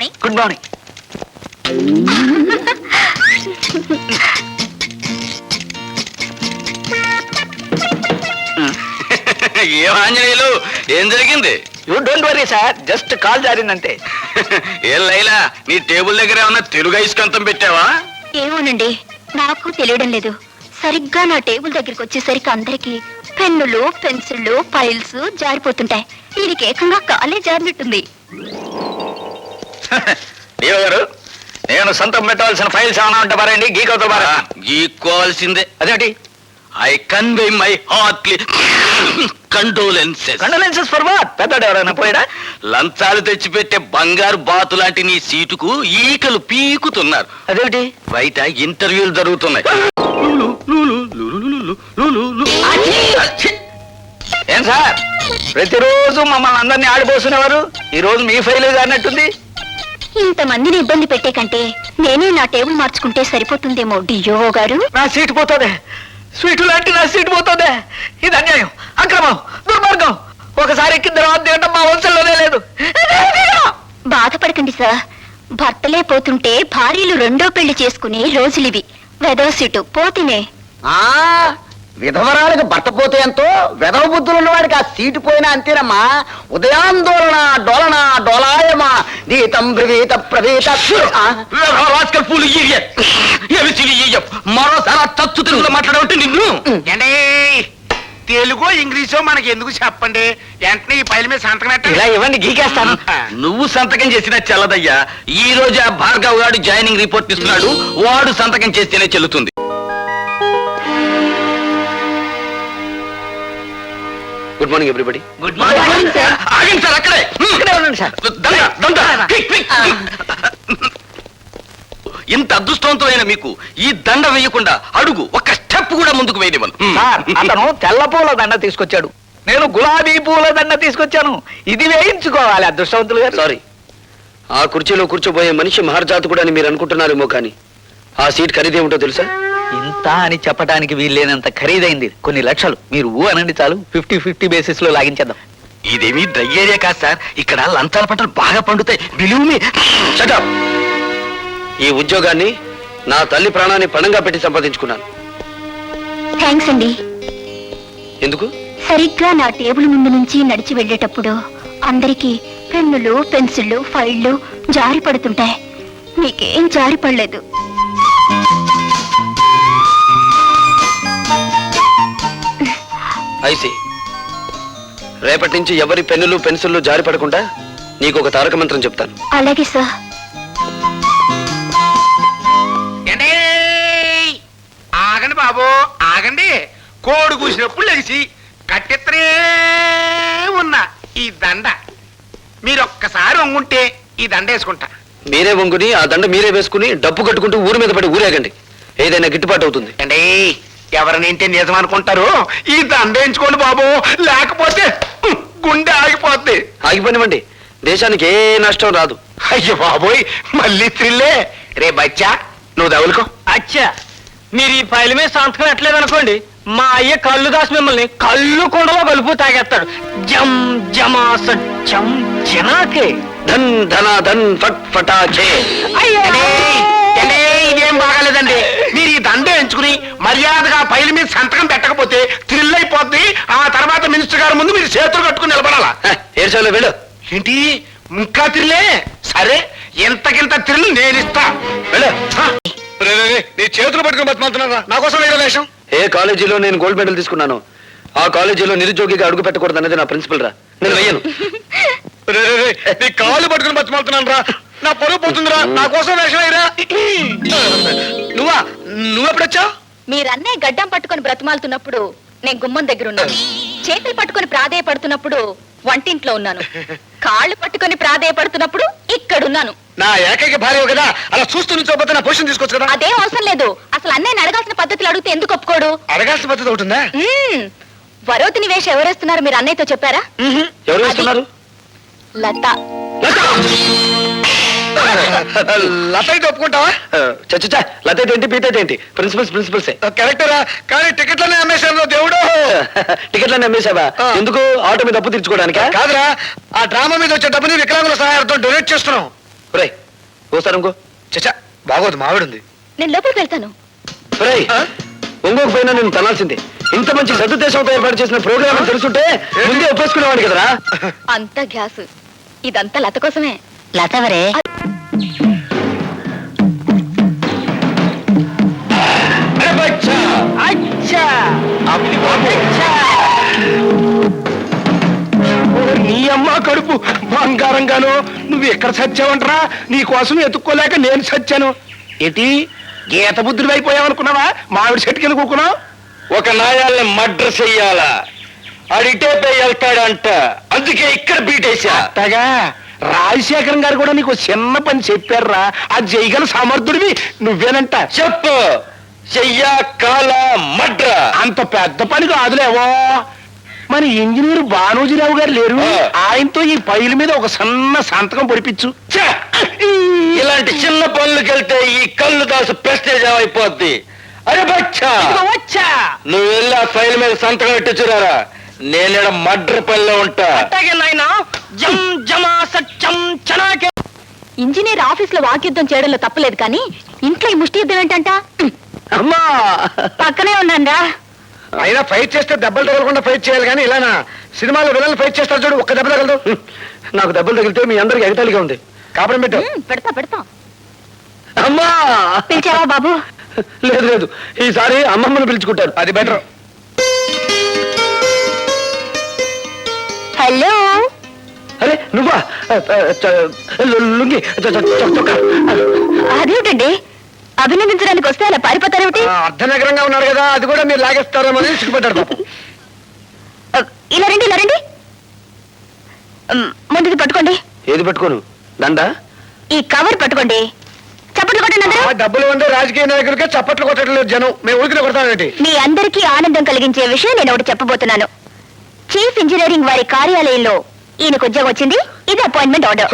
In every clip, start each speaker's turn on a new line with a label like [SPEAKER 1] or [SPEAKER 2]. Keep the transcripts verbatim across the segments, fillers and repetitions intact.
[SPEAKER 1] Morning.
[SPEAKER 2] Good morning.
[SPEAKER 3] ఏం ఆంజనేయులు, ఏం జరిగింది?
[SPEAKER 2] You don't worry sir, just call జారిందంతే.
[SPEAKER 3] ఏం లైలా, నీ టేబుల్ దగ్గర ఏమన్నా తెలుగు ఐస్కంతం పెట్టావా?
[SPEAKER 1] ఏమోనండి, నాకు తెలియడం లేదు. సరిగ్గా నా టేబుల్ దగ్గరికి వచ్చేసరికి అందరికి పెన్నులు, పెన్సిళ్ళు, ఫైల్స్ జారిపోతుంటాయి. దీనికి ఏకంగా కాలే జారినట్టుంది.
[SPEAKER 2] దేవ గారు, నేను సొంతం పెట్టవలసిన ఫైల్స్ ఏమైనా ఉంటే పారండి, గీకవుతా పారా.
[SPEAKER 3] గీక్కోవాల్సిందే.
[SPEAKER 2] అదేంటి?
[SPEAKER 3] I convey my heartly condolences.
[SPEAKER 2] Condolences for what? పెద్దడు ఎవరైనా పోయాడా?
[SPEAKER 3] లంచాలు తెచ్చిపెట్టే బంగారు బాతు లాంటి నీ సీటుకు ఈకలు పీకుతున్నారు.
[SPEAKER 2] అదేంటి?
[SPEAKER 3] బయట ఇంటర్వ్యూలు జరుగుతున్నాయి.
[SPEAKER 2] ఏం సార్, ప్రతిరోజు మమ్మల్ని అందరినీ ఆడిపోసుకునేవారు, ఈ రోజు మీ ఫైల్ జారినట్టుంది.
[SPEAKER 1] ఇంతమందిని ఇబ్బంది పెట్టే కంటే నేనే నా టేబుల్ మార్చుకుంటే సరిపోతుందేమో డియో గారు.
[SPEAKER 2] నా సీటు పోతుంది, స్వీటు లాంటి నా సీటు పోతుంది. ఇది అన్యాయం, అక్రమం, దుర్మార్గం. ఒకసారి ఎక్కిన తర్వాత తినడం మా వంశంలోనే లేదు.
[SPEAKER 1] బాధపడకండి సార్, భర్తలే పోతుంటే భార్యలు రెండో పెళ్లి చేసుకునే రోజులివి. వెదవ సీటు పోతినే.
[SPEAKER 4] ఆ విధవరాలకు భర్త పోతే ఎంతో, వెధవ బుద్ధులు ఉన్నవాడికి ఆ సీటు పోయినా అంతేనమ్మా. ఉదయాందోళన డోలన డోలాయమా గీతం బ్రవీత ప్రవీత.
[SPEAKER 3] మరోసారి తచ్చు తెలుగులో మాట్లాడమంటే నిన్ను.
[SPEAKER 5] తెలుగు ఇంగ్లీషో మనకి ఎందుకు చెప్పండి, వెంటనే ఈ పైల మీద సంతకం
[SPEAKER 2] ఇలా
[SPEAKER 5] పెట్టండి.
[SPEAKER 2] ఇవ్వండి, గీకేస్తాను.
[SPEAKER 3] నువ్వు సంతకం చేసినా చెల్లదయ్యా. ఈ రోజు ఆ భార్గవ్ గారు జాయినింగ్ రిపోర్ట్ ఇస్తున్నాడు, వాడు సంతకం చేస్తేనే చెల్లుతుంది.
[SPEAKER 4] Good morning everybody.
[SPEAKER 3] Good morning sir. ఆగండి సార్, అక్కడే
[SPEAKER 2] ఇక్కడే ఉండండి సార్.
[SPEAKER 3] దండ, దండ. Quick, quick. ఇంత అదృష్టవంతమైన మీకు ఈ దండ వేయకుండా అడుగు ఒక్క స్టెప్ కూడా ముందుకు వేయనివ్వను.
[SPEAKER 2] సార్, అతను తెల్ల పూల దండ తీసుకొచ్చాడు, నేను గులాబీ పూల దండ తీసుకొచ్చాను. ఇది వేయించుకోవాలి అదృష్టవంతులు గారు.
[SPEAKER 4] సారీ, ఆ కుర్చీలో కూర్చోబోయే మనిషి మహర్జాతకుడు అని మీరు అనుకుంటున్నారేమో, కానీ ఆ సీట్ ఖరీదేమిటో తెలుసా?
[SPEAKER 2] ఇంత అని చెప్పడానికి వీల్లేనంత ఖరీదైంది, కొన్ని లక్షలు. మీరు ఊ అనండి చాలు, ఫిఫ్టీ ఫిఫ్టీ బేసిస్ లో లాగించేద్దాం.
[SPEAKER 3] ఇదేమీ డ్రై ఏరియా కాదు సార్, ఇక్కడ లంచాల పంటలు బాగా పండుతాయి. Believe me.
[SPEAKER 4] Shut up. ఈ ఉద్యోగాన్ని నా తల్లి ప్రాణాన్ని పణంగా పెట్టి సంపాదించుకున్నాను.
[SPEAKER 1] థ్యాంక్స్ అండి.
[SPEAKER 4] ఎందుకు?
[SPEAKER 1] సరిగ్గా నా టేబుల్ ముందు నుంచి నడిచి వెళ్ళేటప్పుడు అందరికీ పెన్నులు, పెన్సిళ్ళు, ఫైళ్లు జారి పడుతుంటాయి. మీకేం జారి పడలేదు.
[SPEAKER 4] ఐసి, రేపటి నుంచి ఎవరి పెన్నులు పెన్సిళ్ళు జారి పడకుండా నీకు ఒక తారక మంత్రం చెప్తాను.
[SPEAKER 1] అలాగే సార్.
[SPEAKER 5] ఏండి? ఆగండి బాబు, ఆగండి. కోడి కూసినప్పుడు లెగిసి కట్టెత్తనే ఉన్న ఈ దండ మీరు ఒక్కసారి వంగుంటే ఈ దండ వేసుకుంటా.
[SPEAKER 4] మీరే వంగుని ఆ దండ మీరే వేసుకుని డబ్బు కట్టుకుంటూ ఊరి మీద పడి ఊరేగండి, ఏదైనా గిట్టుబాటు అవుతుంది.
[SPEAKER 5] అండి, ఎవరినింటే నిజం అనుకుంటారు, ఈ దండ వేయించుకోండి బాబు, లేకపోతే ఉహ్, గుండె ఆగిపోద్ది.
[SPEAKER 4] ఆగిపోనివ్వండి, దేశానికి ఏ నష్టం రాదు.
[SPEAKER 5] అయ్యో బాబోయ్, మళ్ళీ త్రిల్లే. రే బచ్చా, నువ్వు తగులుకో.
[SPEAKER 6] అచ్చా, మీరు ఈ ఫైల్ మీద సంతకం ఎట్లేదనుకోండి, మా అయ్య కళ్ళు దాసి మిమ్మల్ని కళ్ళు కొండలో కలుపు తాగేస్తాడు. జం జమా సత్యం జనాకే
[SPEAKER 4] ధన్ ధన ధన్ ఫట్ ఫటాచే.
[SPEAKER 5] ఏండి, ఏండి, ఇదేం బాగాలేదండి. మీరు ఈ దండ ఎంచుకుని మర్యాదగా పైల మీద సంతకం పెట్టకపోతే థ్రిల్ అయిపోద్ది. ఆ తర్వాత మినిస్టర్ గారి ముందు మీరు చేతులు కట్టుకుని నిలబడాలా.
[SPEAKER 4] ఏడ్చాలో వెళ్ళు.
[SPEAKER 5] ఏంటి, ఇంకా థ్రిల్లే? సరే, ఎంతకింత థ్రిల్ నేను ఇస్తా.
[SPEAKER 4] వెళ్ళు.
[SPEAKER 5] నీ చేతులు పట్టుకుని బతిమాలుతున్నారా? నా కోసం వేరే వేషం.
[SPEAKER 4] ఏ కాలేజీలో నేను గోల్డ్ మెడల్ తీసుకున్నాను, ఆ కాలేజీలో నిరుద్యోగిగా అడుగు పెట్టకూడదు అన్నది నా ప్రిన్సిపల్ రా. నేను వెయ్యను.
[SPEAKER 5] నీ కాళ్ళు పట్టుకుని బతిమాలుతున్నాను రా, నా పొరుగు పోతుందిరా. నా కోసం వేషం వేయరా. నువ్వా? నువ్వెప్పుడొచ్చావు?
[SPEAKER 1] మీరన్నే గడ్డం పట్టుకొని బ్రతిమాలుతున్నప్పుడు నేను గుమ్మం దగ్గర ఉన్నాను. చేతులు పట్టుకొని ప్రాధేయపడుతున్నప్పుడు వంటింట్లో ఉన్నాను. కాళ్ళు పట్టుకొని ప్రాధేయపడుతున్నప్పుడు ఇక్కడున్నాను.
[SPEAKER 5] నా ఏకైక భార్య కదా, అలా చూస్తూ నుంచోపోతే నా పొజిషన్ తీసుకోవచ్చు కదా.
[SPEAKER 1] అదేం అవసరం లేదు. అసలు అన్నయ్యని అడగాల్సిన పద్ధతులు అడిగితే ఎందుకు ఒప్పుకోడు?
[SPEAKER 5] అడగాల్సిన పద్ధతి ఒకటి ఉందా?
[SPEAKER 1] మ్మ్. వరోతిని వేష ఎవరేస్తున్నారు మీరు అన్నయ్యతో చెప్పారా?
[SPEAKER 4] ఎవరు వేస్తున్నారు?
[SPEAKER 1] లత.
[SPEAKER 5] లత అయితే ఒప్పుకుంటావా?
[SPEAKER 4] చచ్చా, లతేటి ఏంటి పీతేటి ఏంటి, ప్రిన్సిపల్స్ ప్రిన్సిపల్సే.
[SPEAKER 5] కరెక్టరా, కానీ టికెట్లనే అమ్మేశాను దేవుడు.
[SPEAKER 4] టికెట్లన్నీ అమ్మేశావా? ఎందుకు? ఆటో మీద అప్పు తీర్చుకోవడానికా?
[SPEAKER 5] కాదురా, ఆ డ్రామా మీద వచ్చే డబ్బుని వికలాంగుల సహాయంతో డొనేట్ చేస్తున్నాం.
[SPEAKER 3] ఒరేయ్ ఓసారి ఇంకో
[SPEAKER 2] చచ్చా బాగోదు మావిడుంది.
[SPEAKER 1] నేను లోపలికి వెళ్తాను.
[SPEAKER 3] ఒరేయ్ ఒంగోకు పోయినా నేను తనాల్సిందే. ఇంత మంచి సదుద్దేశంతో ఏర్పాటు చేసిన ప్రోగ్రామ్ తెలుసుంటే ముందే ఒప్పేసుకునేవాడు కదరా.
[SPEAKER 1] అంతా గ్యాస్. ఇదంతా లత కోసమే.
[SPEAKER 7] లతవరే
[SPEAKER 3] అరే బచ్చా!
[SPEAKER 6] అచ్చా
[SPEAKER 3] అచ్చా!
[SPEAKER 5] నీ అమ్మ కడుపు బంగారంగాను నువ్వు ఎక్కడ చచ్చావంటరా? నీ కోసం ఎత్తుక్కోలేక నేను చచ్చాను. ఏంటి గీత బుద్ధుడు అయిపోయావనుకున్నావా? మామిడి చెట్టుకెళ్ళి కూకున్నావు.
[SPEAKER 3] ఒక నాయాల్ని మర్డర్ చెయ్యాలా, అడిటే పోయి వెళ్తాడంట. అందుకే ఇక్కడ బీటేశా.
[SPEAKER 5] అట్టగా రాజశేఖరం గారు కూడా నీకు చిన్న పని చెప్పారా? అది చేయగల సమర్థుడివి నువ్వేనంట.
[SPEAKER 3] చెప్పు, చెయ్యా కాల మడ్ర.
[SPEAKER 5] అంత పెద్ద పని కాదులేవో. మన ఇంజనీర్ బానోజీరావు గారు లేరు,
[SPEAKER 3] ఆ.
[SPEAKER 5] ఆయనతో ఈ పైల మీద ఒక సన్న సంతకం పొడిపించు.
[SPEAKER 3] ఛ! ఇలాంటి చిన్న పనులకెళ్తే ఈ కళ్ళు దాసు ప్రెస్టేజ్ అయిపోద్ది. అరే బచ్చా,
[SPEAKER 6] వచ్చా
[SPEAKER 3] నువ్వు వెళ్ళి ఆ ఫైల్ మీద సంతకం పెట్టించురారా. నేను మడ్ర పనిలో ఉంటా.
[SPEAKER 6] అట్టాగే నాయనా. జం జమా సత్యం చనాకే.
[SPEAKER 1] ఇంజనీర్ ఆఫీస్ లో వాక్యుద్ధం చేయడంలో తప్పలేదు కానీ ఇంట్లో ఈ ముష్టి యుద్ధం ఏంటంట?
[SPEAKER 2] అమ్మా
[SPEAKER 1] పక్కనే ఉన్నారా?
[SPEAKER 2] అయినా ఫైట్ చేస్తే దెబ్బలు తగలకుండా ఫైట్ చేయాలి కానీ ఇలానా? సినిమాలో విలన్లు ఫైట్ చేస్తారు చూడు, ఒక్క దెబ్బ తగలదు. నాకు దెబ్బలు తగిలితే మీ అందరికి ఎగతాళిగా ఉంది. కాపురం పెట్టు.
[SPEAKER 1] పెడతా పెడతా.
[SPEAKER 2] అమ్మా
[SPEAKER 1] పిలిచావా బాబు?
[SPEAKER 2] లేదు లేదు, ఈసారి అమ్మమ్మను పిలుచుకుంటారు, అది బెటర్.
[SPEAKER 1] హలో.
[SPEAKER 2] అరే నువ్వా? లుంగి చొక్కా.
[SPEAKER 1] అదేమిటండి అభినందించడానికి వస్తే అలా పారిపోతారేమిటి?
[SPEAKER 2] అర్ధనగరంగా ఉన్నారు కదా, అది కూడా మీరు లాగేస్తారేమో అని సిగ్గుపడ్డాడు పాపం.
[SPEAKER 1] ఇలా రండి ఇలా రండి. ముందుది పట్టుకోండి.
[SPEAKER 2] ఏది పెట్టుకోను? దండ?
[SPEAKER 1] ఈ కవర్ పట్టుకోండి. చప్పట్లు కొట్టండి అందరూ.
[SPEAKER 2] ఆ డబ్బులు ఉండే రాజకీయ నాయకులకే చప్పట్లు కొట్టడం లేదు జనం, మేము ఊరికినే కొడతామేంటి?
[SPEAKER 1] మీ అందరికీ ఆనందం కలిగించే విషయం నేను ఒకటి చెప్పబోతున్నాను. చీఫ్ ఇంజనీరింగ్ వారి కార్యాలయంలో ఈయనకు ఉద్యోగం వచ్చింది. ఇది అపాయింట్మెంట్ ఆర్డర్.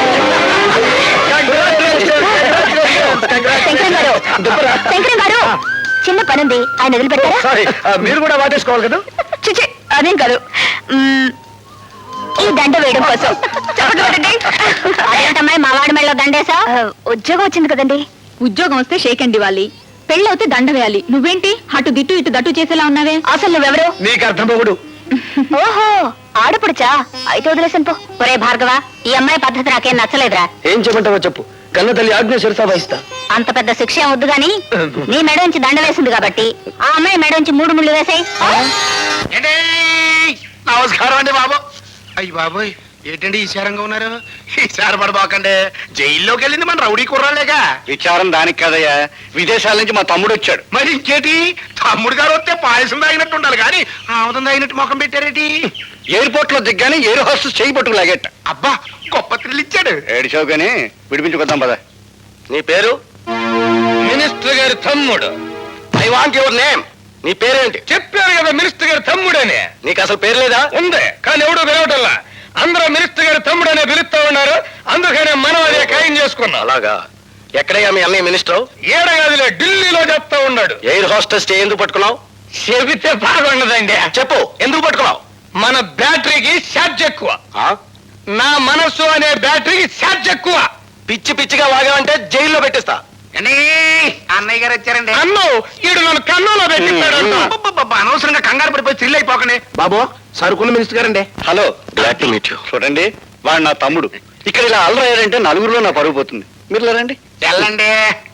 [SPEAKER 1] శంకరం గారు, శంకరం గారు, చిన్న పనుంది, ఆయన వదిలిపెట్టారా?
[SPEAKER 2] సారీ, మీరు కూడా వాటేసుకోవాలి కదా.
[SPEAKER 1] చిచి, అదేం కాదు. మ్మ్, ఈ దండ వేయడం కోసం. చప్పట్లు కొట్టండి. అదేంటమ్మాయి మా వాడి మెడలో దండేసా? ఉద్యోగం వచ్చింది కదండి. ఉద్యోగం వస్తే షేక్ అండి ఇవ్వాలి, పెళ్ళవుతే దండ వేయాలి. నువ్వేంటి అటు దిట్టు ఇటు దట్టు చేసేలా ఉన్నావే? అసలు నువ్వెవరు?
[SPEAKER 2] నీకు అర్థం పోగుడు.
[SPEAKER 1] ఓహో, ఆడపడుచా? అయితే వదిలేసాను పో. ఒరే భార్గవ, ఈ అమ్మాయి పద్ధతి నాకేం నచ్చలేదురా.
[SPEAKER 2] ఏం చెప్పంటావో చెప్పు, కన్న తల్లి ఆజ్ఞ శిరసా వహిస్తా.
[SPEAKER 1] అంత పెద్ద శిక్ష ఏం వద్దు గాని నీ మెడ నుంచి దండ వేసింది కాబట్టి ఆ అమ్మాయి మెడ నుంచి మూడు ముళ్ళు వేసాయి.
[SPEAKER 5] ఏంటి? నమస్కారం అండి బాబు. అయ్యి బాబోయ్, ఏంటండి ఈశారంగా ఉన్నారు? ఈసారి పడబాకండి, జైల్లోకి వెళ్ళింది మన రౌడీ కుర్రాలేగా.
[SPEAKER 3] విచారం దానికి కదయ్యా, విదేశాల నుంచి మా తమ్ముడు వచ్చాడు.
[SPEAKER 5] మరి ఇంకేటి, తమ్ముడు గారు వస్తే పాయసం తాగినట్టు ఉండాలి కానీ ఆముదం తాగినట్టు ముఖం పెట్టారేటి?
[SPEAKER 3] ఎయిర్పోర్ట్ లో దిగ్గానే ఎయిర్ హోస్టెస్ చేయి పట్టుకు లాగేట.
[SPEAKER 5] అబ్బా, గొప్ప థ్రిల్ ఇచ్చాడు.
[SPEAKER 3] ఏడిచావు కానీ విడిపించుకొద్దాం పద. నీ పేరు? మినిస్టర్ గారి తమ్ముడు. I want your name. నీ పేరేంటి?
[SPEAKER 5] చెప్పారు కదా మినిస్టర్ గారి తమ్ముడని.
[SPEAKER 3] నీకు అసలు పేరు లేదా?
[SPEAKER 5] ఉంది కానీ ఎవడు పిలవటల్లా. అందరూ మినిస్టర్ గారి తమ్ముడనే పిలుస్తా ఉన్నారు, అందుకనే మనం అదే ఖాయం చేసుకున్నాం.
[SPEAKER 3] అలాగా? ఎక్కడయ్యా మీ అన్నయ్య మినిస్టర్?
[SPEAKER 5] ఏడగదిలో ఢిల్లీలో చెప్తా ఉన్నాడు.
[SPEAKER 3] ఎయిర్ హోస్టెస్ ఎందుకు పట్టుకున్నావు?
[SPEAKER 5] చెబితే బాగుండదండి.
[SPEAKER 3] చెప్పు, ఎందుకు పట్టుకున్నావు?
[SPEAKER 5] మన బ్యాటరీకి ఛార్జ్ ఎక్కువ.
[SPEAKER 3] ఆ?
[SPEAKER 5] నా మనస్సు అనే బ్యాటరీకి ఛార్జ్ ఎక్కువ.
[SPEAKER 3] పిచ్చి పిచ్చిగా వాగావంటే జైల్లో పెట్టిస్తా.
[SPEAKER 5] అన్నయ్య గారు వచ్చారండి. అన్ను ఈడు నన్ను కన్నులో పెట్టిస్తాడు. అనవసరంగా కంగారు పడిపోయి థ్రిల్ అయిపోకనే. బాబు, సరుకున్న మినిస్టర్ గారండి.
[SPEAKER 3] Hello, glad to meet you. చూడండి, వాడు నా తమ్ముడు. ఇక్కడ ఇలా అల్లరయ్యారంటే నలుగురిలో నా పరుగు పోతుంది. మీరు రండి.
[SPEAKER 5] తెల్లండి.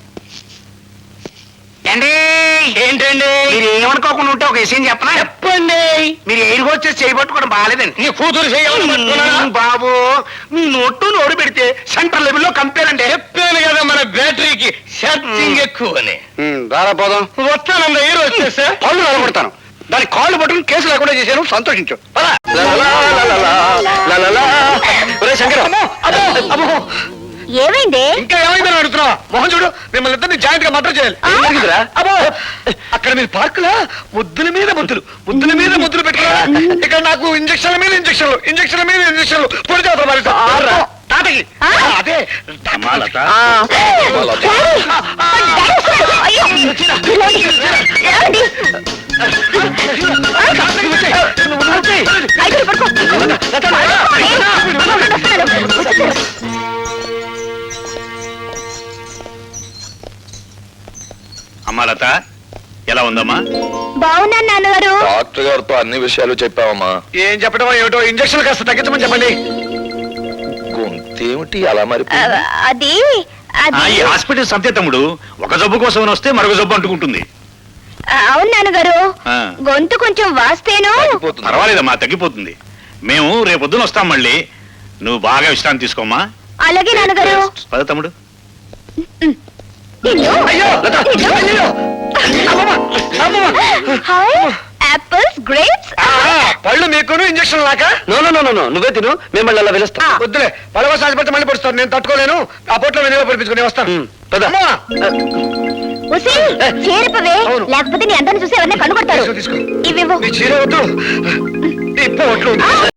[SPEAKER 5] ఏంటి ఏంటండి మీరు ఏమనుకోకుండా ఉంటే ఒక విషయం చెప్పనా? చెప్పండి. మీరు ఎయిర్ హోస్టెస్ చేయబట్టుకోవడం బాగాలేదండి. నీ కూతురు చేయాలి బాబు. మీ నోట్టు నోరు పెడితే సెంట్రల్ లెవెల్లో కంపేర్ అంటే చెప్పాను కదా మన బ్యాటరీకి ఛార్జింగ్ ఎక్కువ అని.
[SPEAKER 3] దారా పోదాం.
[SPEAKER 5] వస్తానండి ఎయిర్ హోస్టెస్.
[SPEAKER 3] పళ్ళు నిలబడతాను. దాని కాళ్ళు పట్టుకుని కేసు లేకుండా చేశాను, సంతోషించు. శంకర,
[SPEAKER 1] ఏమైంది?
[SPEAKER 2] ఇంకా ఏమైందని అడుగుతున్నా? మోహన్ చూడు, మిమ్మల్ని ఇద్దరిని జాయింట్ గా మర్డర్ చేయాలి.
[SPEAKER 1] ఆ?
[SPEAKER 2] ఏం జరిగిందిరా? అబ్బో, అక్కడ మీరు పార్కులా ముద్దుల మీద ముద్దులు ముద్దుల మీద ముద్దులు పెట్టారా? ఇక్కడ నాకు ఇంజక్షన్ల మీద ఇంజక్షన్లు ఇంజక్షన్ల మీద ఇంజక్షన్లు పొడి చేస్తారు మరి. తాతకి
[SPEAKER 1] ఆ?
[SPEAKER 2] అదే
[SPEAKER 3] మాలత.
[SPEAKER 1] ఆ. అయ్యో, ఏమండి? ఐదుగురు పడుకో.
[SPEAKER 3] అమ్మా లత ఎలా ఉందమ్మా?
[SPEAKER 1] బాగున్నాను నాన్నగారు.
[SPEAKER 2] డాక్టర్ గారితో అన్ని విషయాలు చెప్పావమ్మా. ఏం చెప్పడం ఏమిటో ఇంజక్షన్ కాస్త తగ్గించమని చెప్పండి. గొంతేమిటి అలా మరి?
[SPEAKER 1] ఆ, అది
[SPEAKER 3] ఆ,
[SPEAKER 1] అది
[SPEAKER 3] ఈ హాస్పిటల్ సంతే తమ్ముడు ఒక జబ్బు కోసం వస్తే మరొక జబ్బు అంటుకుంటుంది.
[SPEAKER 1] ఆ, అవును నాన్నగారు.
[SPEAKER 3] ఆ.
[SPEAKER 1] గొంతు కొంచెం వాస్తేను.
[SPEAKER 3] పర్వాలేదమ్మా, తగ్గిపోతుంది. మేము రేపొద్దున వస్తాం మళ్ళీ. నువ్వు బాగా విశ్రాంతి తీసుకోమ్మా.
[SPEAKER 1] అలాగే నాన్నగారు.
[SPEAKER 3] పద తమ్ముడు.
[SPEAKER 1] నిన్ను-
[SPEAKER 2] అయ్యో లత,
[SPEAKER 1] నిన్ను-
[SPEAKER 2] అయ్యో అమ్మమ్మ, అమ్మమ్మ.
[SPEAKER 1] Hi apples grapes.
[SPEAKER 2] ఆ, పళ్ళు మీకును ఇంజక్షన్ లాక
[SPEAKER 4] నో నో నో నో నువ్వే తిను మిమ్మల్ని అలా పిలుస్తా
[SPEAKER 2] వద్దులే. పడవ సాధిపడితే మళ్ళీ పడుస్తాను. నేను తట్టుకోలేను. ఆ పొట్లో వెనుక పడిపించుకుని వస్తాను.
[SPEAKER 4] పద.
[SPEAKER 2] అమ్మా.
[SPEAKER 1] ఉసి చేరిపవే,
[SPEAKER 2] అవును.
[SPEAKER 1] లేకపోతే నీ అందరిని చూసి ఎవరిని కనుగొడతారు.
[SPEAKER 2] తీసుకో, తీసుకో.
[SPEAKER 1] ఇవివ్వు.
[SPEAKER 2] నీ చీర వద్దు. ఈ పొట్లు వద్దు.